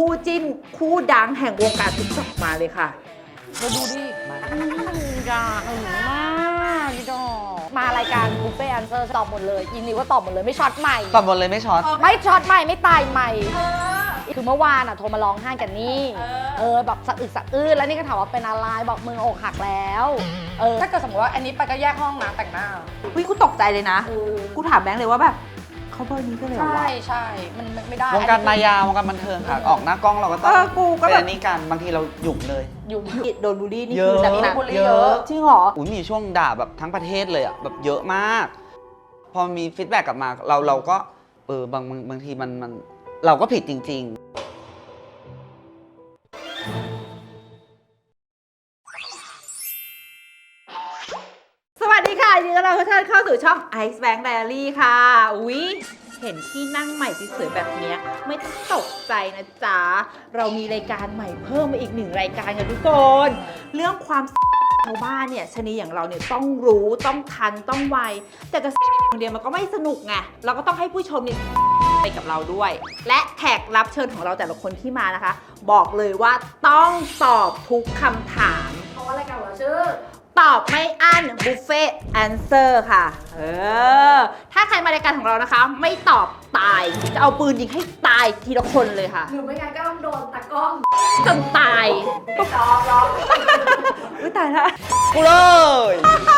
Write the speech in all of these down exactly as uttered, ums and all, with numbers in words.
คู่จิ้นคู่ดังแห่งวงการติ๊กต็อกมาเลยค่ะมาดูดิมาจ้าหึงมากพี่ดอกมารายการบุฟเฟ่ต์แอนเซอร์ตอบหมดเลยยินดีว่าตอบหมดเลยไม่ช็อตใหม่ตอบหมดเลยไม่ช็อตไม่ช็อตใหม่ไม่ตายใหม่คือเมื่อวานอ่ะโทรมาร้องไห้กันนี่เออแบบสะอึกสะอื้นแล้วนี่ก็ถามว่าเป็นอะไรบอกมึงอกหักแล้วเออถ้าเกิดสมมติว่าอันนี้ไปก็แยกห้องนะแต่งหน้าเฮ้ยกูตกใจเลยนะกูถามแบงค์เลยว่าแบบเขาเบอร์นี้ก็เลยเหรอวะใช่ใช่มันไม่ได้วงการมายาวงการบันเทิงค่ะออกหน้ากล้องเราก็ต้องเป็นอันนี้กันบางทีเราหยุ่งเลยหยุ่งโดนบูลลี่นี่คือหนักๆเยอะจริงเหรออุ้ยมีช่วงด่าแบบทั้งประเทศเลยอ่ะแบบเยอะมากพอมีฟีดแบ็กกลับมาเราเราก็เออบางบางทีมันมันเราก็ผิดจริงๆสวัสดีค่ะยินดีต้อนรับทุกท่านเข้าสู่ช่อง Ice Bank Diary ค่ะอุ๊ยเห็นที่นั่งใหม่สวยๆแบบนี้ไม่ต้องตกใจนะจ๊ะเรามีรายการใหม่เพิ่มมาอีกหนึ่งรายการค่ะทุกคนเรื่องความชาวบ้านเนี่ยชนีอย่างเราเนี่ยต้องรู้ต้องทันต้องไวแต่จะอย่างเดียวมันก็ไม่สนุกไงเราก็ต้องให้ผู้ชมเนี่ยไปกับเราด้วยและแขกรับเชิญของเราแต่ละคนที่มานะคะบอกเลยว่าต้องตอบทุกคำถามเพราะว่ารายการของเราชื่อตอบไม่อั้นบุฟเฟ่แอนเซอร์ค่ะเออถ้าใครมารายการของเรานะคะไม่ตอบตายจะเอาปืนยิงให้ตายทีละคนเลยค่ะหรือไม่งั้นก็ต้องโดนตะกล้องจนตายรอรออุ้ยตายละกูเลย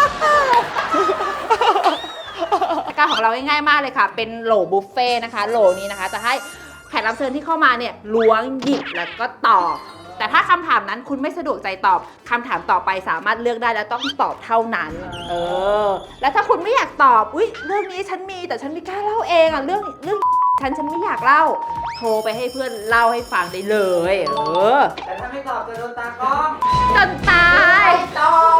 รายการของเราง่ายๆมากเลยค่ะเป็นโหลบุฟเฟ่นะคะโหลนี้นะคะจะให้แขกรับเชิญที่เข้ามาเนี่ยล้วงหยิบแล้วก็ตอบแต่ถ้าคำถามนั้นคุณไม่สะดวกใจตอบคำถามต่อไปสามารถเลือกได้และต้องตอบเท่านั้นเออแล้วถ้าคุณไม่อยากตอบอุ๊ยเรื่องนี้ฉันมีแต่ฉันไม่กล้าเล่าเองอ่ะเรื่องเรื่องฉันฉันไม่อยากเล่าโทรไปให้เพื่อนเล่าให้ฟังได้เลยเออแต่ถ้าไม่ตอบจะโดนตากล้องจนตายตอบ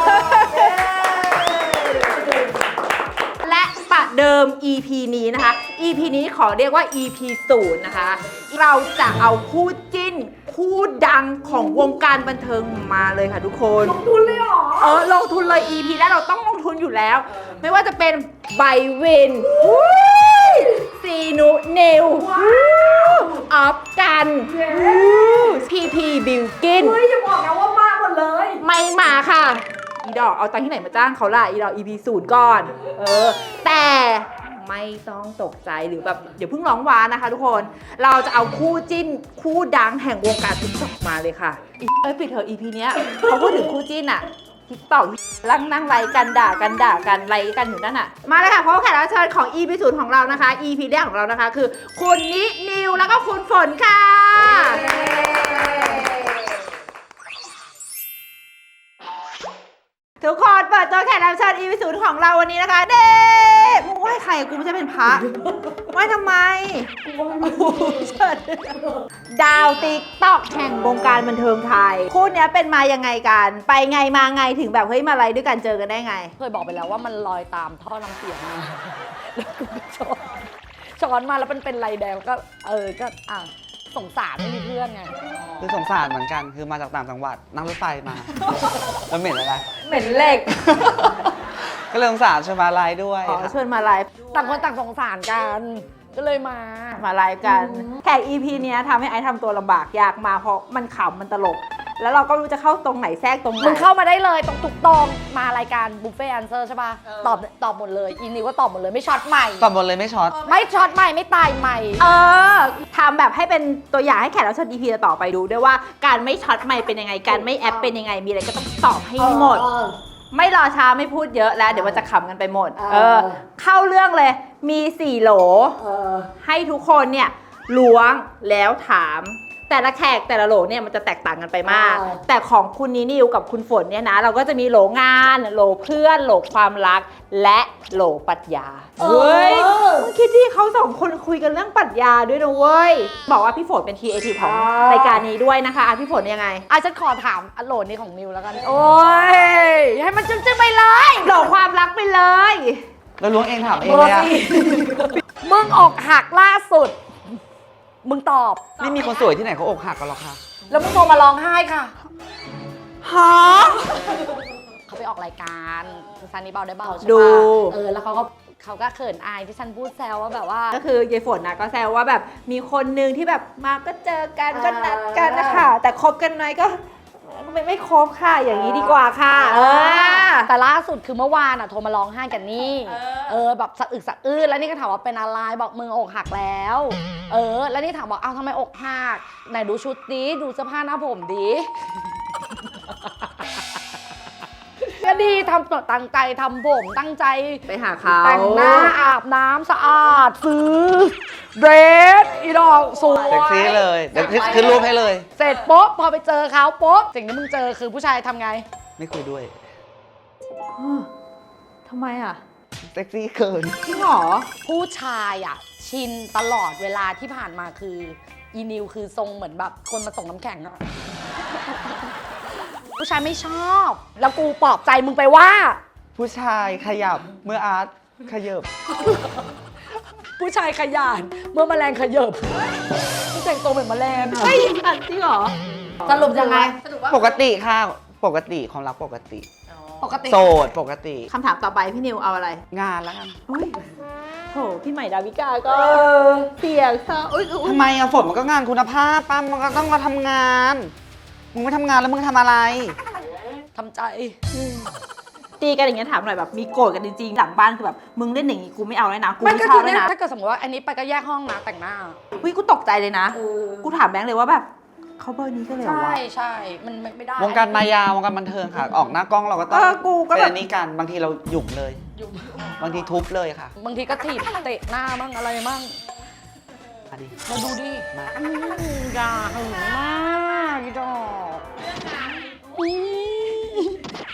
และประเดิม อี พี นี้นะคะ อี พี นี้ขอเรียกว่า อี พี ศูนย์นะคะเราจะเอาคู่จิ้นคู่ดังของวงการบันเทิงมาเลยค่ะทุกคนลงทุนเลยเหรอเออลงทุนเลย อี พี แรกเราต้องลงทุนอยู่แล้วไม่ว่าจะเป็นไบวินซีนุนิวออฟกันพีพีบิลกินเฮ้ยอย่าบอกนะว่ามาหมดเลยไม่มาค่ะอีดอกเอาตังค์ที่ไหนมาจ้างเขาล่ะอีดอก อี พี ศูนย์ก่อนเออแต่ไม่ต้องตกใจหรือแบบเดี๋ยวเพิ่งร้องว้านะคะทุกคนเราจะเอาคู่จิ้นคู่ดังแห่งวงการติ๊กต็อกมาเลยค่ะเอ้ยปิดเถอะ อี พี เนี้ยเขาพูดถึงคู่จิ้นอะติ๊กต็อกนั่งนั่งไลค์กันด่ากันด่ากันไลค์กันอยู่นั่นอะมาเลยค่ะเพราะว่าแขกรับเชิญของ อี พี ศูนย์ของเรานะคะ อี พี แรกของเรานะคะคือคุณนินิวแล้วก็คุณฝนค่ะทุกคนเปิดตัวแขกรับเชิญ อี พี ศูนย์ของเราวันนี้นะคะเด้มึงไหว้ใครกูไม่ใช่เป็นพระไหว้ทำไมดาวติ๊กต็อกแห่งวงการบันเทิงไทยคู่นี้เป็นมายังไงกันไปไงมาไงถึงแบบเฮ้ยมาอะไรด้วยกันเจอกันได้ไงเคยบอกไปแล้วว่ามันลอยตามท่อน้ำเสียงมาแล้วกูก็ช้อนช้อนมาแล้วมันเป็นไรแดงก็เออก็อ่ะสงสารไม่มีเพื่อนไงคือสงสารเหมือนกันคือมาจากต่างจังหวัดนั่งรถไฟมาแล้วเหม็นอะไรเหม็นเหล็กก็เลยสงสารชวนมาไลฟ์ด้วยอ๋อชวนมาไลฟ์ต่างคนต่างสงสารกันก็เลยมามาไลฟ์กันแขก อี พี เนี้ยทำให้ไอซ์ทำตัวลำบากยากมาเพราะมันขำมันตลกแล้วเราก็รู้จะเข้าตรงไหนแทรกตรงไหนมึงเข้ามาได้เลยตรงตุกตรงมารายการบุฟเฟ่ต์แอนเซอร์ใช่ป่ะตอบตอบหมดเลยอีนิวก็ตอบหมดเลยไม่ช็อตใหม่ตอบหมดเลยไม่ช็อตไม่ช็อตใหม่ไม่ตายใหม่เออทำแบบให้เป็นตัวอย่างให้แขกรับเชิญ อี พี ต่อไปดูด้วยว่าการไม่ช็อตใหม่เป็นยังไงการไม่แอปเป็นยังไงมีอะไรก็ต้องตอบให้หมดไม่รอช้าไม่พูดเยอะแล้วเดี๋ยวมันจะขำกันไปหมดเออเข้าเรื่องเลยมีสี่โหลให้ทุกคนเนี่ยล้วงแล้วถามแต่ละแขกแต่ละโหลเนี่ยมันจะแตกต่างกันไปมากแต่ของคุณนินิวกับคุณฝนเนี่ยนะเราก็จะมีโหลงานโหลเพื่อนโหลความรักและโหลปรัชญาเฮ้ยมึงคิดที่เขาสองคนคุยกันเรื่องปรัชญาด้วยนะเว้ยบอกว่าพี่ฝนเป็นครีเอทีฟของรายการนี้ด้วยนะคะอ่ะพี่ฝนยังไงอ่ะฉันขอถามโหลนี้ของนิวแล้วกันโอ้ยให้มันจึ้งๆไปเลยโหลความรักไปเลยแล้วล้วงเองถามเองเลยอะมึงอกหักล่าสุดมึงตอบไม่มีคนสวยที่ไหนเขาอกหักกันหรอกค่ะแล้วมึงโทรมาร้องไห้ค่ะฮะเขาไปออกรายการซันนี่เบาได้เบาใช่ปะเออแล้วเขาก็เขาก็เขินอายที่ฉันพูดแซวว่าแบบว่าก็คือยายฝนนะก็แซวว่าแบบมีคนหนึ่งที่แบบมาก็เจอกันก็นัดกันนะคะแต่คบกันไหมก็ไม่ไม่คบค่ะอย่างนี้ดีกว่าค่ะเออแต่ล่าสุดคือเมื่อวานอ่ะโทรมาร้องไห้กันนี่ เออแบบสะอึกสะอื้นแล้วนี่ก็ถามว่าเป็นอะไรบอกมึงอกหักแล้ว เออ แล้วนี่ถามบอกอ้าวทำไมอกหักไหนดูชุดดิดูเสื้อผ้าหน้าผมดิ ก็ดีทำตั้งใจทำผมตั้งใจไปหาเขาแต่งหน้าอาบน้ำสะอาดซื้อเดรสอีดอกสวยเซ็กซี่เลยเดี๋ยวขึ้นรูปให้เลยเสร็จปุ๊บพอไปเจอเขาปุ๊บสิ่งที่มึงเจอคือผู้ชายทำไงไม่คุยด้วยทำไมอ่ะเซ็กซี่เกินจริงเหรอผู้ชายอ่ะชินตลอดเวลาที่ผ่านมาคืออีนิวคือทรงเหมือนแบบคนมาส่งน้ำแข็งอะ ผู้ชายไม่ชอบ แล้วกูปลอบใจมึงไปว่าผู้ชายขยับเมื่ออาร์ตขยับผู้ชายขยันเมื่อแมลงขยบมึงแต่งตัวเหมือนแมลงอะไม่อันจริงเหรอสรุปยังไงสรุปว่าปกติค่ะ ปกติความรักปกติปกติโสดปกติคำถามต่อไปพี่นิวเอาอะไรงานแล้วกันอุ้ยโถพี่ใหม่ดาวิกาก็เสียงเศร้าอุ้ยอุ๊ยทำไมอะฝนมันก็งานคุณภาพป้ามันก็ต้องมาทำงาน มึงไม่ทำงานแล้วมึงทำอะไรทำใจตีกันอย่างเงี้ยถามหน่อยแบบมีโกรธกันจริงๆหลังบ้านคือแบบมึงเล่นอย่างงี้กูไม่เอาเลยนะกูไม่ไม่ก็ชคืออบเลเนี่ย ยนะถ้าเกิดสมมติว่าอันนี้ไปก็แยกห้องนะแต่งหน้าอุ้ยกูตกใจเลยนะ กูถามแบงค์เลยว่าแบบเขาเบอร์นี้ก็เลยเหรอใช่วะใช่มันไม่ไม่ได้วงการมายาวงการบันเทิงค่ะ ออกหน้ากล้องเราก็ต้องเออกูก็เป็นแบบอันนี้กันบางทีเราหยุ่มเลยอยู่บางทีทุบเลยค่ะบางทีก็ถีบเตะหน้ามั่งอะไรมั่งอันนี้มาดูดิมาอืมอย่าหึงมากอีดอกอืม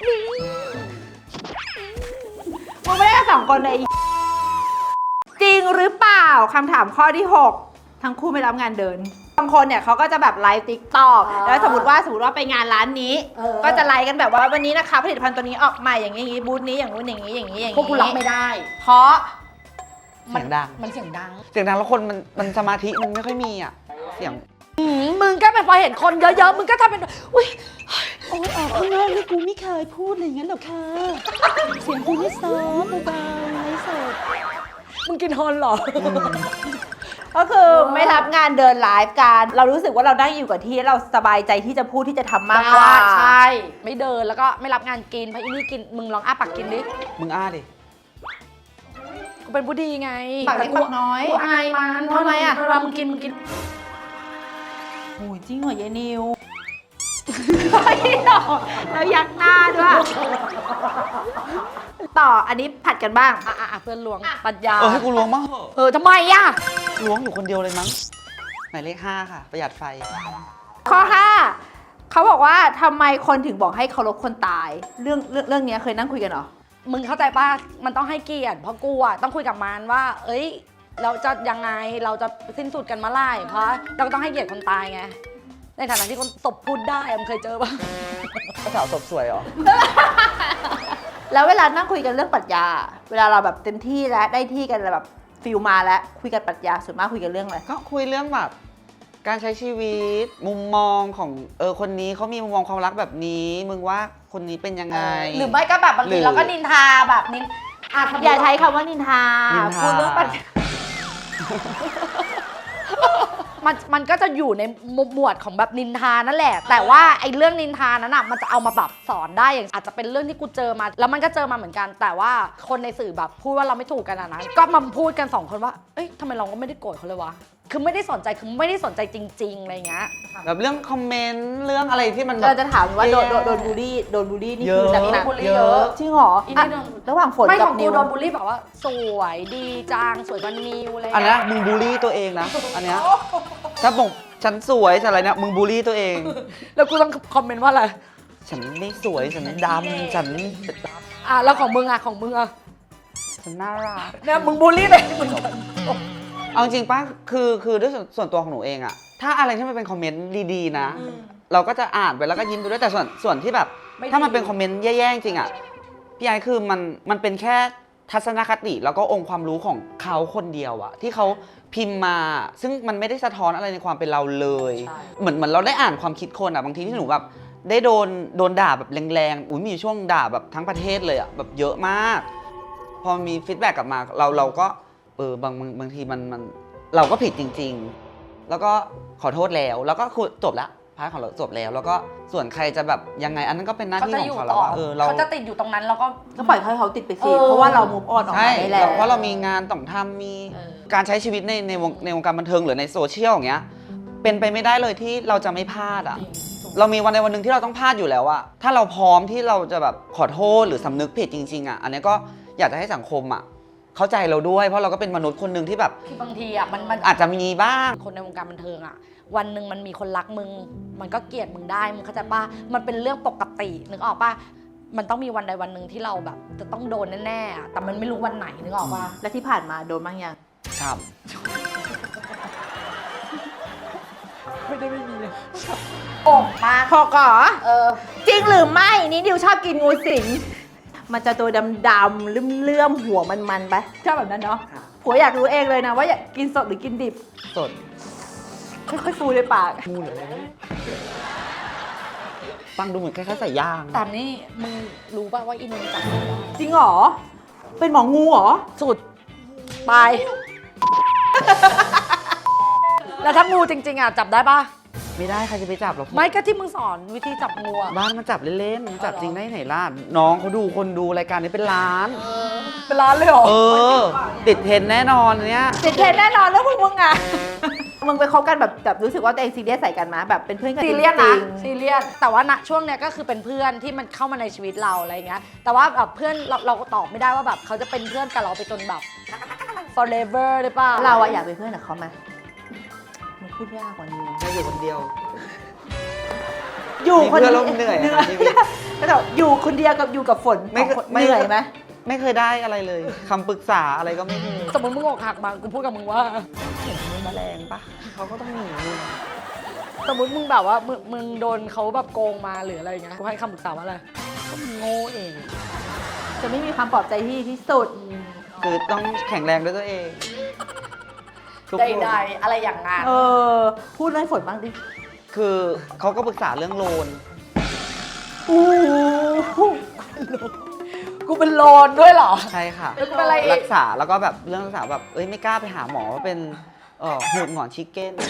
มึงไม่ได้กันสองคนเลยจริงหรือเปล่าคำถามข้อที่หกทั้งคู่ไม่รับงานเดินบางคนเนี่ยเขาก็จะแบบไลฟ์ติ๊กต็อกแล้วสมมติว่าสมมติว่าไปงานร้านนี้ ก็จะไลฟ์กันแบบว่าวันนี้นะคะผลิตภัณฑ์ตัวนี้ออกใหม่อย่างนี้อย่างนี้บูธนี้อย่างนู้นอย่างนี้อย่างนี้อย่างพวกนี้กูรับไม่ได้เพราะเสียงดังมันเสียงดังเสียงดังแล้วคนมันมันสมาธิมันไม่ค่อยมีอ่ะ เสียงอืมมึงก็เป็นพอเห็นคนเยอะๆ มึงก็ทำเป็น อุ้ยโอ้ยออกข้างนอกนี่กูไม่เคยพูดอะไรอย่างนั้นหรอกค่ะ เสียงกูนี่ซอฟต์เบาๆไร้สดมึงกินฮอนเหรอก็คือไม่รับงานเดินไลฟ์กันเรารู้สึกว่าเราได้อยู่กับที่เราสบายใจที่จะพูดที่จะทำมากกว่าใช่ ไม่เดินแล้วก็ไม่รับงานกินเพราะอีนี่กิน มึงลองอ้าปากกินดิมึงอ้าดิกูเป็นผู้ดีไงปากเล็กปากน้อยกูอายมันทำไมอะเวลามึงกินมึงกินโอ้ยจริงเหรอยายนิว แล้วยักหน้าด้วย ต่ออันนี้ผัดกันบ้างอ่ะอ่ะอ่ะเพื่อนลวงปัญญาเออให้กูล้วงบ้างเหอะเออทำไมอ่ะล้วงอยู่คนเดียวเลยมั้งหมายเลขห้าค่ะ ประหยัดไฟข้อห้าเขาบอกว่าทำไมคนถึงบอกให้เคารพคนตาย เรื่องเรื่องเรื่องนี้เคยนั่งคุยกันเหรอมึงเข้าใจป่ะ มันต้องให้เกียรติ เพราะกูอ่ะต้องคุยกับมันว่า เอ้ย เราจะยังไง เราจะสิ้นสุดกันเมื่อไหร่ เพราะเราก็ต้องให้เกียรติคนตายไง ในฐานะที่คนตบพูดได้อะมึงเคยเจอป่ะก็สาวศพสวยเหรอแล้วเวลานั่งคุยกันเรื่องปรัชญา เวลาเราแบบเต็มที่แล้วได้ที่กันแบบฟิลมาแล้วคุยกันปรัชญาส่วนมากคุยกันเรื่องอะไรก็คุยเรื่องแบบการใช้ชีวิต มุมมองของเออคนนี้เขามีมุมมองความรักแบบนี้ มึงว่าคนนี้เป็นยังไงหรือไม่ก็แบบบางหรืทีอเราก็นินทาแบบนินอ่ะอย่าใช้คำว่านินทานินทาพูดเรื่องปรัชญามันมันก็จะอยู่ในหมวดของแบบนินทานั่นแหละ แต่ว่าไอ้เรื่องนินทานั้นอ่ะมันจะเอามาแบบสอนได้อย่างอาจจะเป็นเรื่องที่กูเจอมา แล้วมันก็เจอมาเหมือนกัน แต่ว่าคนในสื่อแบบพูดว่าเราไม่ถูกกันอะนะก็มาพูดกันสองคนว่าเอ้ยทำไมเราก็ไม่ได้โกรธเขาเลยวะคือไม่ได้สนใจคือไม่ได้สนใจจริงๆอะไรเงี้ยแบบเรื่องคอมเมนต์เรื่องอะไรที่มันแบเราบจะถามว่าโดนแย่โดนโดนบูลลี่โดนบูลลี่นี่เยคืออะหนักบูลลี่ๆเยอะจริงเหรออีนี่อ่ะโดนระหว่างฝนไม่กัขบองนิกูวโดนบูลลี่แบบว่า สวยดีจังสวยกว่านิวอะไรอันเงี้นี้ยมึงบูลลี่ตัวเองนะ อันเนี้ยถ้าบอกฉันสวยฉันอะไรเนี่ยมึงบูลลี่ตัวเองแล้วกูต้องคอมเมนต์ว่าอะไรฉันไม่สวยฉันดำฉันอ่ะแล้วของมึงอ่ะของมึงอ่ะฉันน่ารักเนี่ยมึงบูลลี่เลยมึงเอาจริงป่ะคือคือด้วยส่วนส่วนตัวของหนูเองอะถ้าอะไรที่มันเป็นคอมเมนต์ดีๆนะ เราก็จะอ่านไปแล้วก็ยิ้มไปด้วยแต่ส่วนส่วนที่แบบ ถ้ามันเป็นคอมเมนต์แย่ๆจริงอะพี่ไอ้คือมันมันเป็นแค่ทัศนคติแล้วก็องค์ความรู้ของเขาคนเดียวอะที่เขาพิมพ์มา ซึ่งมันไม่ได้สะท้อนอะไรในความเป็นเราเลย เหมือนเหมือนเราได้อ่านความคิดคนอะบางทีที่หนูแบบได้โดนโดนด่าแบบแรงๆอุ้ยมีช่วงด่าแบบทั้งประเทศเลยอะแบบเยอะมากพอมีฟีดแบ็กกลับมาเราเราก็เออบางบางบางทีมันมันเราก็ผิดจริง ๆ แล้วก็ขอโทษแล้วแล้วก็คือจบละพาร์ทของเราจบแล้ว แล้วก็ส่วนใครจะแบบยังไงอันนั้นก็เป็นหน้าเขาที่จะขอองยู่เขาแล้ต่วอว่าเออเราเขาจะติดอยู่ตรงนั้นแล้วก็ก็ปล่อยให้เขาติดไปสิเออเพราะว่าเรา move on ออกใช่มาได้แล้วเพราะเรามีงานต้องทำมีเออการใช้ชีวิตในในวงในวงการบันเทิงหรือในโซเชียลอย่างเงี้ยเป็นไปไม่ได้เลยที่เราจะไม่พลาดอ่ะ เรามีวันในวันหนึ่งที่เราต้องพลาดอยู่แล้วอะถ้าเราพร้อมที่เราจะแบบขอโทษหรือสำนึกผิดจริงๆอะอันนี้ก็อยากจะให้สังคมอะเข้าใจเราด้วย เพราะเราก็เป็นมนุษย์คนหนึ่งที่แบบคือบางทีอ่ะมันมันอาจจะมีบ้างคนในวงการบันเทิงอ่ะ วันหนึ่งมันมีคนรักมึง มันก็เกลียดมึงได้มึงเข้าใจป่ะมันเป็นเรื่องปกตินึกออกป่ะมันต้องมีวันใดวันหนึ่งที่เราแบบ จะต้องโดนแน่ๆอะแต่มันไม่รู้วันไหนนึกออกป่ะและที่ผ่านมาโดนบ้างยังครับไม่ได้ไม่มีเลยโอ่งมากพอก่อเออจริงหรือไม่นี่ดิวชอบกินงูสิง มันจะตัวดำๆเลื่อมๆหัวมันๆไปชอบแบบนั้นเนาะผัวอยากรู้เองเลยนะว่าอยากกินสดหรือกินดิบสดค่อยๆฟูในปากงูเหรืออะไรฟังดูเหมือนคล้ายๆใส่ย่างแต่นี่มึงรู้ป่ะว่าอินนจับไม่ได้จริงเหรอ เป็นหมองูเหรอสุดไป แล้วถ้างูจริง ๆอ่ะจับได้ป่ะไม่ได้ใครจะไปจับหรอกไม่ก็ที่มึงสอนวิธีจับงูอะบ้านมันจับเล่นๆมันจับจริงได้ไหนล่ะน้องเขาดูคนดูรายการนี้เป็นล้านเป็นร้านเลยเหรอเออ ติดเทรนด์แน่นอนเนี้ยติดเทรนด์แน่นอนแล้วพวกมึงอะ มึงไปคบกันแบบแบบรู้สึกว่าตัวเองซีเรียสใส่กันมาแบบเป็นเพื่อนกันซีจริงเรียสๆนะซีเรียสแต่ว่าณช่วงเนี้ยก็คือเป็นเพื่อนที่มันเข้ามาในชีวิตเราอะไรอย่างเงี้ยแต่ว่าแบบเพื่อนเราเราก็ตอบไม่ได้ว่าแบบเขาจะเป็นเพื่อนกับเราไปจนแบบ forever หรือเปล่าเราอะอยากเป็นเพื่อนกับเขาไหมมันพูดยากกว่านี้แค่อยู่คนเดียวอยู่คนมีเพื่อนเดีแล้วเหนื่อยอะชีวิตก็แบบอยู่คนเดียวกับอยู่กับฝนไม่สองคนไม่เหนื่อยไหมไม่เคยได้อะไรเลยคำปรึกษาอะไรก็ไม่เคยสมมติมึงอกหักมากูพูดกับมึงว่าเห็นมีแมลงปะเขาก็ต้องหนีมึงสมมติมึงแบบว่ามึงมึงโดนเขาแบบโกงมาหรืออะไรอย่างเงี้ยกูให้คำปรึกษาว่าอะไรก็มึงโง่เองจะไม่มีความปลอบใจที่ที่สุดคือต้องแข็งแรงด้วยตัวเองทุกใคนดๆอะไรอย่างงั้นเออ พูดเรื่องฝนบ้างดิคือเขาก็ปรึกษาเรื่องโลนอู้หูกูเป็นโลนด้วยเหรอใช่ค่ะแล้วกูเป็นอะไรอีรักกษาแล้วก็แบบเรื่องรักษาแบบเอ้ยไม่กล้าไปหาหมอว่าเป็นเอ่อหูดหงอนชิคเก้น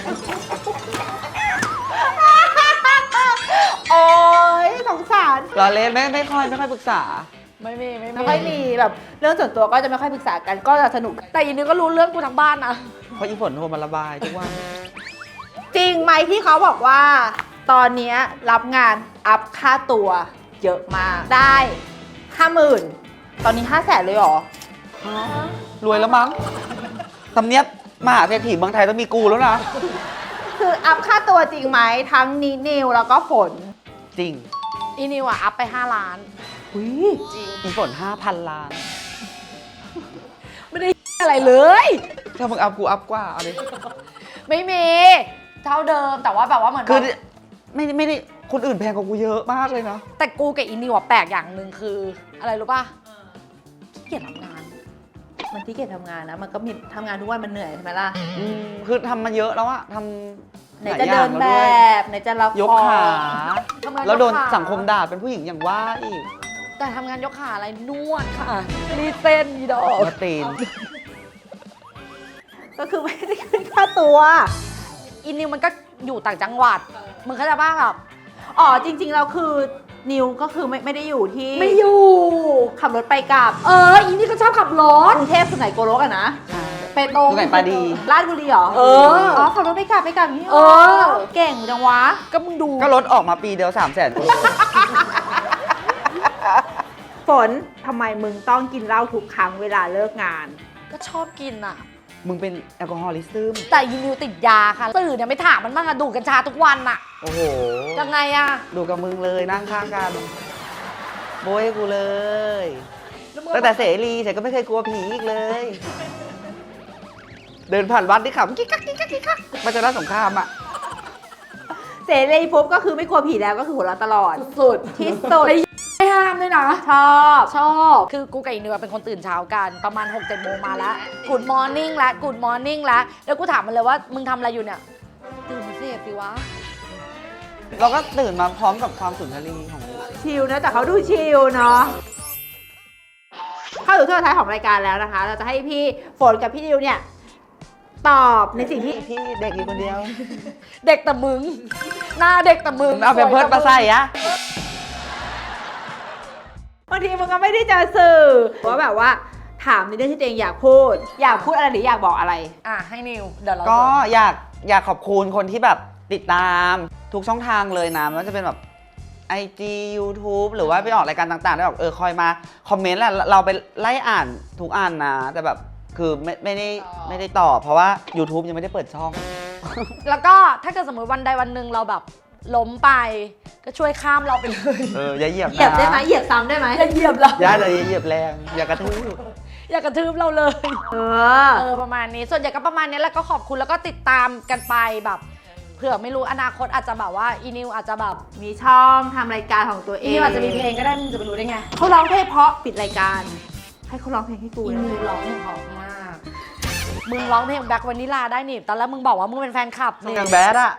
โอ้ยสงสารเราเล่นไม่ไม่ค่อยไม่ค่อยปรึกษาไม่มีไม่มีไม่ค่อยมีแบบเรื่องส่วนตัวก็จะไม่ค่อยปรึกษากันก็จะสนุกแต่อีนึงก็รู้เรื่องกูทั้งบ้านนะเพราะอีฝนโทรมาระบายทุกวันจริงไหมที่เขาบอกว่า ตอนเนี้ยรับงานอัพค่าตัวเยอะมากได้ห้าหมื่นตอนนี้ห้าแสนเลยเหรอรวยแล้วมั้งทำเนียบมหาเศรษฐีเมืองไทยต้องมีกูแล้วนะคืออัพค่าตัวจริงไหมทั้งนินิวแล้วก็ฝนจริงอีนิวอะอัพไปห้าล้านอุ้ยจริงอีฝนห้าพันล้านไม่ได้อะไรเลยถ้ามึงอัพกูอัพกว่าเอาดิไม่มีเท่าเดิมแต่ว่าแบบว่าเหมือนคือแบบไม่ไม่ได้คนอื่นแพงกว่ากูเยอะมากเลยนะแต่กูกับอีนิวอะแปลกอย่างหนึ่งคือ อะไรรู้ป่ะขี้เกียจทำงานมันที่เกียจทำงานนะ มันก็มีทำงานทุกวันมันเหนื่อยใช่ไหมล่ะอืมคือทำมาเยอะแล้วอะทำไหนลายจะอย่าเดิงนแล้วแบด้วยบไหนจะรับยกของขาทำงานแล้วโดนยกขาสังคมด่าเป็นผู้หญิงอย่างว่าอีกแต่ทำงานยกขาอะไรนวดค่ะรีดเส้นอีดอกมาตีนก็คือไม่ได้ขึ้นค่าตัวอีนิวมันก็อยู่ต่างจังหวัดมึงเข้าใจป่ะแบบอ๋อจริงๆเราคือนิวก็คือไม่ไม่ได้อยู่ที่ไม่อยู่ขับรถไปกลับเอออีนี่ก็ชอบขับรถกรุงเทพสุไหนโกลกอะนะ เปโตรสุไหงปาดีลาดบุรีเหรอเอออ๋อขับรถไปกลับไปกลับอย่างนี้หรเออเก่งจังวะก็มึงดูก็ลดออกมาปีเดียวสามแสนฝนทำไมมึงต้องกินเหล้าทุกครั้งเวลาเลิกงานก็ชอบกินอ่ะมึงเป็นแอลกอฮอลิซึมแต่ยีนิวติดยาค่ะสื่อเนี่ยไม่ถามมันบ้างอะดูดกัญชาทุกวันอะโอ้โหยังไงอะดูกับมึงเลยนั่งข้างกันโบยให้กูเลยล้วมึงตั้งแต่เสรีฉันก็ไม่เคยกลัวผีอีกเลย เดินผ่านวัดที่ขำกิ๊กกักกิ๊กกักกิ๊กกักมาจากร้านสงครามอ่ะเสรีปุ๊บก็คือไม่กลัวผีแล้วก็คือหัวเราะตลอดสุดที่สุดไม่ห้ามด้วยนะชอบชอบ คือกูกับอีนิวเป็นคนตื่นเช้ากันประมาณหกเจ็ดโมงมาแล้วกูดมอร์นิ่งแล้วกูดมอร์นิ่งแล้วแล้วกูถามมันเลยว่ามึงทำอะไรอยู่เนี่ยตื่นมาเสพสิวะเราก็ตื่นมาพร้อมกับความสุนทรีของชิลนะแต่เขาดูชิลเนาะคเข้าสู่ช่วงสุดท้ายของรายการแล้วนะคะ เราจะให้พี่ฝนกับพี่ดิวเนี่ยตอบในสิ่งที่พี่เด็กอยู่คนเดียวเด็กแต่มึง หน้าเด็กแต่มึงเอาเป็นเพิร์ดมาใส่อะบางทีมันก็ไม่ได้เจอสื่อว่าแบบว่าถามในเรื่องที่ตัวเองอยากพูด อยากพูดอะไรหรืออยากบอกอะไรอ่ะให้นิวเดี๋ยวเราก็อยากอยากขอบคุณคนที่แบบติดตามทุกช่องทางเลยนะไม่ว่าจะเป็นแบบ ไอ จี YouTube หรือว่าไปออกรายการต่างๆได้แบบเออคอยมาคอมเมนต์แหละเราไปไล่อ่านทุกอันนะ แต่แบบคือไม่ไม่ได้ไม่ได้ตอบเพราะว่า YouTube ยังไม่ได้เปิดช่องแล้วก็ถ้าเกิดสมมติวันใดวันหนึ่งเราแบบล้มไป ก็ช่วยข้ามเราไปเลยเอออย่าเหยียบนะเหยียบได้ไหมเหยียบซ้ำได้ไหมอย่าเหยียบเราอย่าเลยเหยียบแรงอย่ากระทืบอย่ากระทืบเราเลยเออเออประมาณนี้ส่วนใหญ่ก็ประมาณนี้แล้วก็ขอบคุณแล้วก็ติดตามกันไปแบบเผื่อไม่รู้อนาคตอาจจะแบบว่าอีนิวอาจจะแบบมีช่องทำรายการของตัวเออีงนิวอาจจะมีเพลงก็ได้มึงจะไปรู้ได้ไงเขาร้องเพลงเพราะปิดรายการ ให้เขาร้องเพลงให้กูอีนะนิวร้องเพลงเพราะมากมึงร้องเพลงแบ็ควานิลาได้นี่ตอนแรกมึงบอกว่ามึงเป็นแฟนคลับต้องนี่การแบดอะ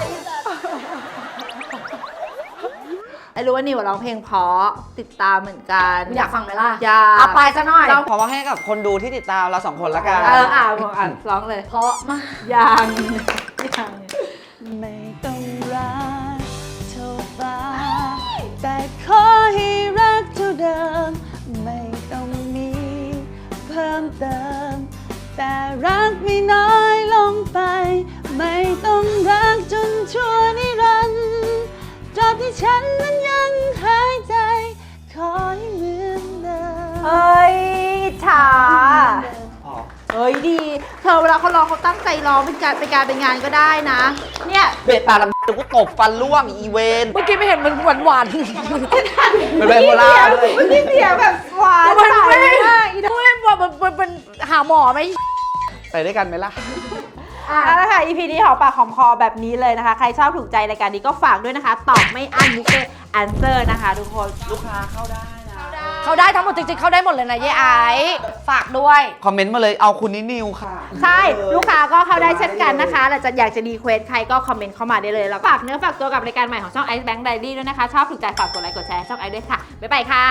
ไอ้รู้ว่านิวร้องเพลงเพราะติดตามเหมือนกันมึงอยากฟังไหมล่ะอยากเอาไปซะหน่อยเราขอว่าให้กับคนดูที่ติดตามเราสองคนละกันเอออ่ะบอกอ่ะร้องเลยเพราะมากยังยังไม่ต้องรักเท่าฟ้าแต่ขอให้รักเท่าเดิม ไม่ต้องมีเพิ่มเติม แต่รักไม่น้อยลงไป ไม่ต้องรักจนชั่วนิรันดร์ตราบที่ฉันนั้นยังหายใจ ขอให้เหมือนเดิมเฮ้ยอิจฉาอ๋อเฮ้ยดี เธอเวลาเขาร้องเขาตั้งใจร้องเป็นการเป็นการเป็นงานก็ได้นะ เนี่ยเบตตาลำเดี๋ยวกูตบฟันร่วงอีเวนเมื่อกี้ไม่เห็นมันหวานหวานเป็นไบโพล่าด้วยมันนี่เสียงแบบหวานมันใสไม่มากอีดอกไม่ว่ามันมันเป็นหาหมอไหมไปด้วยกันไหมล่ะอ่ะแล้วค่ะ อี พี นี้หอมปากหอมคอแบบนี้เลยนะคะ ใครชอบถูกใจรายการนี้ก็ฝากด้วยนะคะ ตอบไม่อั้นมิสเตอร์แอนเซอร์นะคะทุกคนลูกค้าเข้าได้นะเขาได้ทั้งหมดจริงๆเขาได้หมดเลยนะเย้ไอซ์ฝากด้วยคอมเมนต์มาเลยเอาคุณนินิวค่ะใช่ ลูกค้าก็เข้าได้เช่นกันนะคะแต่จะอยากจะรีเควสใครก็คอมเมนต์เข้ามาได้เลย แล้วฝากเนื้อฝากตัวกับรายการใหม่ของช่อง Ice Bank Diary ด้วยนะคะ ชอบถูกใจฝากกดไลค์กดแชร์ช่องไอซ์ด้วยค่ะ บ๊ายบายค่ะ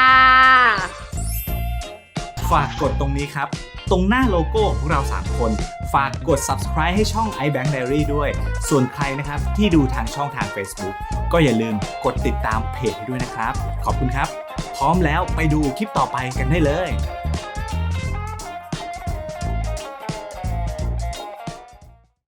ฝากกดตรงนี้ครับ ตรงหน้าโลโก้ของพวกเราสามคน ฝากกด subscribe ให้ช่อง iBank Diary ด้วย ส่วนใครนะครับที่ดูทางช่องทาง Facebook ก็อย่าลืมกดติดตามเพจให้ด้วยนะครับ ขอบคุณครับ พร้อมแล้วไปดูคลิปต่อไปกันได้เลย